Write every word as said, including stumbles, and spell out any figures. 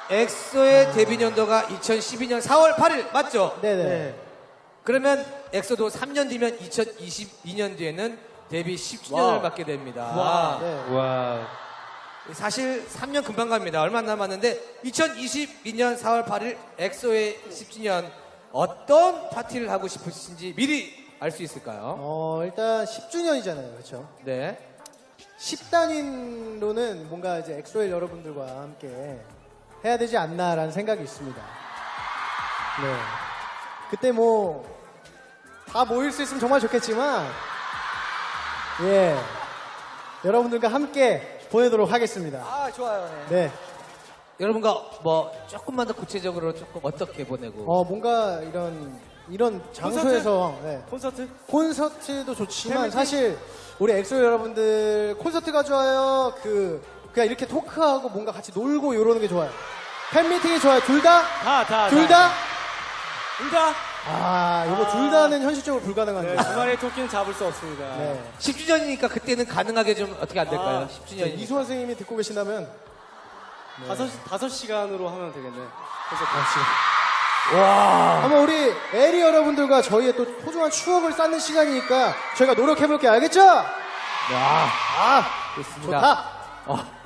엑소의 데뷔 연도가 이천십이 년 사월 팔일 맞죠? 네네. 네. 그러면 엑소도 삼 년 뒤면 이천이십이 년도에는 데뷔 십 주년을 와우. 맞게 됩니다. 와. 네. 와. 사실 삼 년 금방 갑니다. 얼마 안 남았는데 이천이십이 년 사월 팔일 엑소의 십 주년 어떤 파티를 하고 싶으신지 미리 알 수 있을까요? 어, 일단 십 주년이잖아요. 그렇죠? 네. 십 단위로는 뭔가 이제 엑소엘 여러분들과 함께 해야 되지 않나라는 생각이 있습니다. 네. 그때 뭐 다 모일 수 있으면 정말 좋겠지만 예. 여러분들과 함께 보내도록 하겠습니다. 아, 좋아요. 네. 네. 여러분과 뭐 조금만 더 구체적으로 조금 어떻게 보내고 어, 뭔가 이런 이런 장소에서 네. 콘서트? 콘서트도 좋지만 팬미팅? 사실 우리 엑소 여러분들 콘서트가 좋아요. 그 그냥 이렇게 토크하고 뭔가 같이 놀고 이러는 게 좋아요. 팬미팅이 좋아요. 둘 다? 다, 다. 둘 다. 다? 둘 다? 아, 이거 아. 둘 다는 현실적으로 불가능한데. 네, 주말의 토끼는 잡을 수 없습니다. 네. 십 주년이니까 그때는 가능하게 좀 어떻게 안 될까요? 아, 십 자, 주년이니까. 이수원 선생님이 듣고 계신다면 다섯, 다섯 시간으로 하면 되겠네. 콘서트. 와. 한번 우리 에리 여러분들과 저희의 또 소중한 추억을 쌓는 시간이니까 저희가 노력해볼게요. 알겠죠? 와. 아, 좋습니다. 좋다. 어,